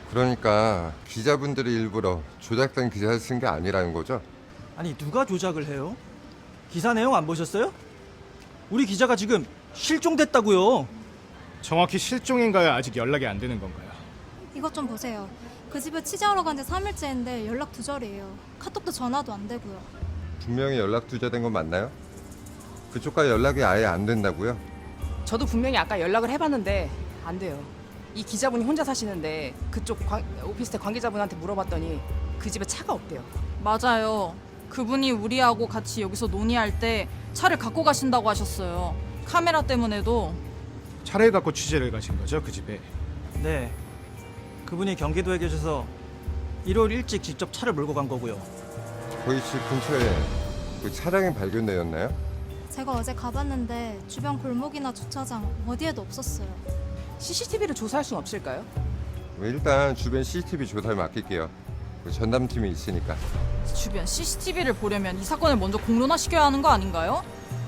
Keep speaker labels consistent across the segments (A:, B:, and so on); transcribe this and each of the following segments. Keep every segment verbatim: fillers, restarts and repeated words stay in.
A: 그러니까 기자분들이 일부러 조작된 기사를 쓴 게 아니라는 거죠?
B: 아니 누가 조작을 해요? 기사 내용 안 보셨어요? 우리 기자가 지금 실종됐다고요.
C: 정확히 실종인가요? 아직 연락이 안 되는 건가요?
D: 이것 좀 보세요. 그 집에 취재하러 간 지 삼 일째인데 연락 두절이에요. 카톡도 전화도 안 되고요.
A: 분명히 연락 두절된 건 맞나요? 그쪽과 연락이 아예 안 된다고요?
E: 저도 분명히 아까 연락을 해봤는데 안 돼요. 이 기자분이 혼자 사시는데 그쪽 관, 오피스텔 관계자분한테 물어봤더니 그 집에 차가 없대요.
F: 맞아요. 그분이 우리하고 같이 여기서 논의할 때 차를 갖고 가신다고 하셨어요. 카메라 때문에도.
C: 차를 갖고 취재를 가신 거죠, 그 집에?
B: 네. 그분이 경기도에 계셔서 일요일 일찍 직접 차를 몰고 간 거고요.
A: 거기 집 근처에 그 차량이 발견되었나요?
D: 제가 어제 가봤는데 주변 골목이나 주차장 어디에도 없었어요.
E: 씨씨티비를 조사할 순 없을까요?
A: 일단 주변 씨씨티비 조사를 맡길게요. 그 전담팀이 있으니까.
F: 주변 씨씨티비를 보려면 이 사건을 먼저 공론화시켜야 하는 거 아닌가요?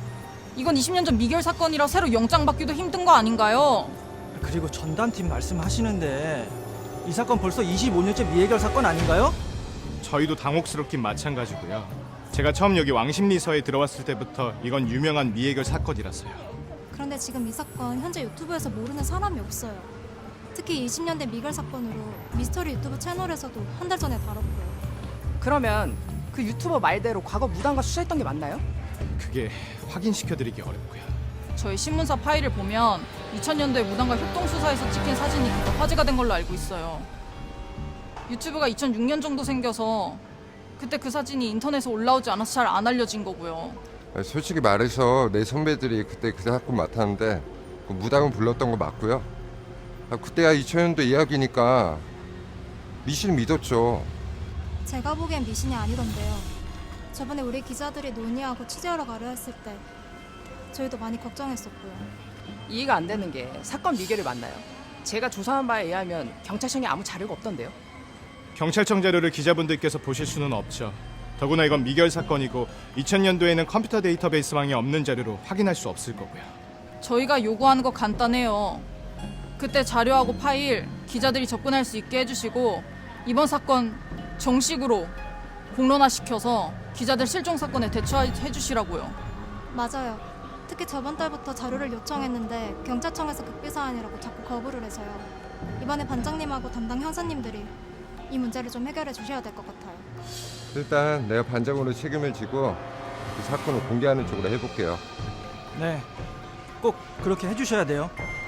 F: 이건 이십 년 전 미결 사건이라 새로 영장 받기도 힘든 거 아닌가요?
B: 그리고 전담팀 말씀하시는데 이 사건 벌써 이십오 년째 미해결 사건 아닌가요?
C: 저희도 당혹스럽긴 마찬가지고요. 제가 처음 여기 왕십리서에 들어왔을 때부터 이건 유명한 미해결 사건이라서요.
D: 그런데 지금 이 사건 현재 유튜브에서 모르는 사람이 없어요. 특히 이십 년대 미결 사건으로 미스터리 유튜브 채널에서도 한 달 전에 다뤘고요.
E: 그러면 그 유튜버 말대로 과거 무단과 수사했던 게 맞나요?
C: 그게 확인시켜드리기 어렵고요.
F: 저희 신문사 파일을 보면 이천 년도에 무단과 협동수사에서 찍힌 사진이 그때 화제가 된 걸로 알고 있어요. 유튜브가 이천육 년 정도 생겨서 그때 그 사진이 인터넷에 올라오지 않아서 잘 안 알려진 거고요.
A: 솔직히 말해서 내 선배들이 그때 그 사건 맡았는데 그 무당은 불렀던 거 맞고요. 아, 그때야 이천 년도 이야기니까 미신 믿었죠.
D: 제가 보기엔 미신이 아니던데요. 저번에 우리 기자들이 논의하고 취재하러 가려 했을 때 저희도 많이 걱정했었고요.
E: 이해가 안 되는 게 사건 미결이 맞나요? 제가 조사한 바에 의하면 경찰청에 아무 자료가 없던데요.
C: 경찰청 자료를 기자분들께서 보실 수는 없죠. 더구나 이건 미결 사건이고 이천 년도에는 컴퓨터 데이터베이스망에 없는 자료로 확인할 수 없을 거고요.
F: 저희가 요구하는 거 간단해요. 그때 자료하고 파일 기자들이 접근할 수 있게 해주시고 이번 사건 정식으로 공론화시켜서 기자들 실종 사건에 대처해 주시라고요.
D: 맞아요. 특히 저번 달부터 자료를 요청했는데 경찰청에서 급비사안이라고 자꾸 거부를 해서요. 이번에 반장님하고 담당 형사님들이 이 문제를 좀 해결해 주셔야 될 것 같아요.
A: 일단 내가 반장으로 책임을 지고 그 사건을 공개하는 쪽으로 해볼게요.
B: 네. 꼭 그렇게 해주셔야 돼요.